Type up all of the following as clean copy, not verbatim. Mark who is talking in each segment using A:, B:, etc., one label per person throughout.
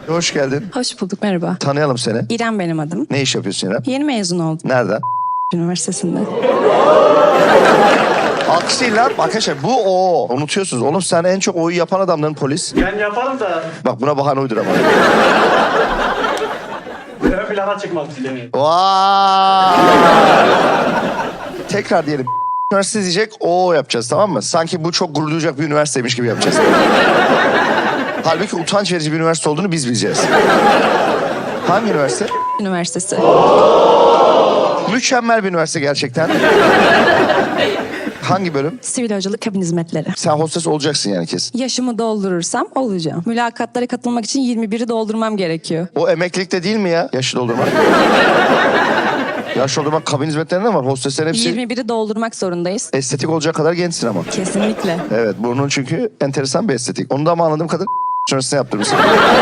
A: Hoş geldin.
B: Hoş bulduk, merhaba.
A: Tanıyalım seni.
B: İrem benim adım.
A: Ne iş yapıyorsun İrem?
B: Yeni mezun oldum
A: Nereden?
B: üniversitesinde.
A: Alkış değil lan. Arkadaşlar bu o. Unutuyorsunuz. Oğlum sen en çok oyu yapan adamların polis.
C: Ben yaparım da
A: Bak buna bahane uydur ama.
C: ön plana çıkmak istemiyorum.
A: Vay. Tekrar diyelim. Üniversite diyecek o yapacağız, tamam mı? Sanki bu çok gurur duyacak bir üniversiteymiş gibi yapacağız. Halbuki utanç verici bir üniversite olduğunu biz bileceğiz. Hangi üniversite?
B: Üniversitesi.
A: Mükemmel bir üniversite gerçekten. Hangi bölüm?
B: Sivil havacılık kabin hizmetleri.
A: Sen hostes olacaksın yani kesin.
B: Yaşımı doldurursam olacağım. Mülakatlara katılmak için 21'i doldurmam gerekiyor.
A: O emeklilikte değil mi ya? Yaşı doldurmak. Yaş doldurmak kabin hizmetlerinde var. Hosteslerin hepsi
B: 21'i doldurmak zorundayız.
A: estetik olacak kadar gençsin ama.
B: Kesinlikle.
A: Evet, burnun çünkü enteresan bir estetik. Onu da ama anladığım kadar sonrasında yaptırmışsın.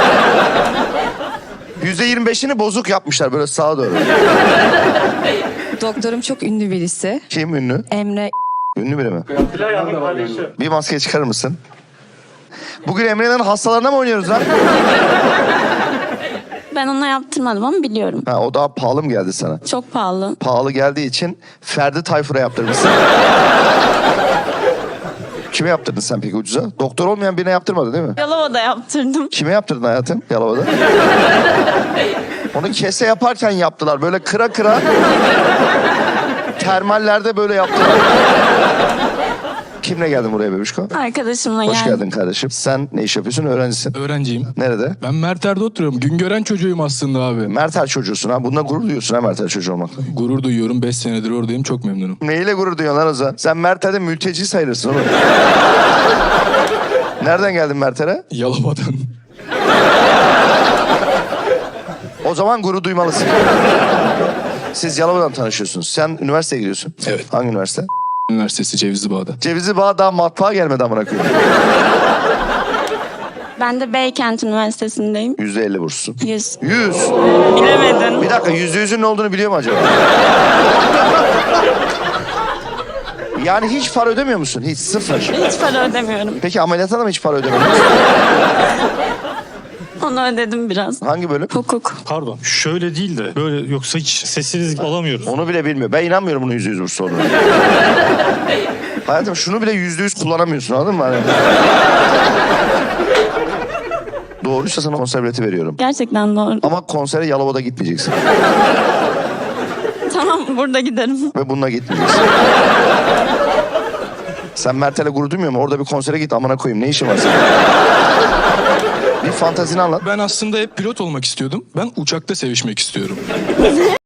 A: %25'ini bozuk yapmışlar böyle sağa doğru.
B: Doktorum çok ünlü birisi.
A: Kim ünlü?
B: Emre.
A: Ünlü biri mi?
C: Bilal'ın kardeşi.
A: Bir maske çıkarır mısın? Bugün Emre'nin hastalarına mı oynuyoruz lan?
D: Ben ona yaptırmadım ama biliyorum.
A: Ha, o daha pahalı mı geldi sana?
D: Çok pahalı.
A: Pahalı geldiği için Ferdi Tayfur'a yaptırmışsın. Kime yaptırdın sen peki ucuza? Doktor olmayan birine yaptırmadın değil mi?
D: Yalova'da yaptırdım.
A: Kime yaptırdın hayatım Yalova'da? Onu kese yaparken yaptılar. Böyle kıra kıra. Termallerde böyle yaptılar. Kimle geldin buraya bebişko?
D: Arkadaşımla
A: Hoş
D: geldim.
A: geldin kardeşim. Sen ne iş yapıyorsun? Öğrencisin.
E: Öğrenciyim.
A: Nerede?
E: Ben Merter'de oturuyorum. Güngören çocuğuyum aslında abi.
A: Mertel çocuğusun ha. Bununla gurur duyuyorsun ha Mertel çocuğu olmakla.
E: Gurur duyuyorum. 5 senedir oradayım. Çok memnunum.
A: Neyle gurur duyuyorsun lan Ozan? Sen Mertel'de mülteci sayılırsın oğlum. Nereden geldin Mertel'e?
E: Yalova'dan.
A: O zaman gurur duymalısın. Siz Yalova'dan tanışıyorsunuz. Sen üniversiteye gidiyorsun.
E: Evet.
A: Hangi üniversite?
E: Üniversitesi Cevizli Bağ'da.
A: Cevizli Bağ daha matbaa gelmedi amına koyayım.
D: Ben de Beykent Üniversitesi'ndeyim.
A: %50 burssun.
D: 100.
A: 100.
D: Bilemedin.
A: Bir dakika %100'ün ne olduğunu biliyor mu acaba? Yani hiç para ödemiyor musun? Hiç sıfır.
D: Hiç para ödemiyorum.
A: Peki ameliyata da mı hiç para ödemiyorsun?
D: Onu ödedim biraz.
A: Hangi bölüm?
D: Hukuk.
F: Pardon. Şöyle değil de böyle yoksa hiç sesiniz alamıyoruz.
A: Onu bile bilmiyor. Ben inanmıyorum bunun %100 burs olduğunu. Hayatım şunu bile %100 kullanamıyorsun, anladın mı? Hani... Doğruysa sana konser bileti veriyorum.
D: Gerçekten doğru.
A: Ama konsere Yalova'da gitmeyeceksin.
D: Tamam, burada giderim.
A: Ve bununla gitmeyeceksin. Sen Mertel'e gurur duymuyor musun? Orada bir konsere git amına koyayım. Ne işin var senin? Bir fantazini anlat.
E: Ben aslında hep pilot olmak istiyordum. Ben uçakta sevişmek istiyorum.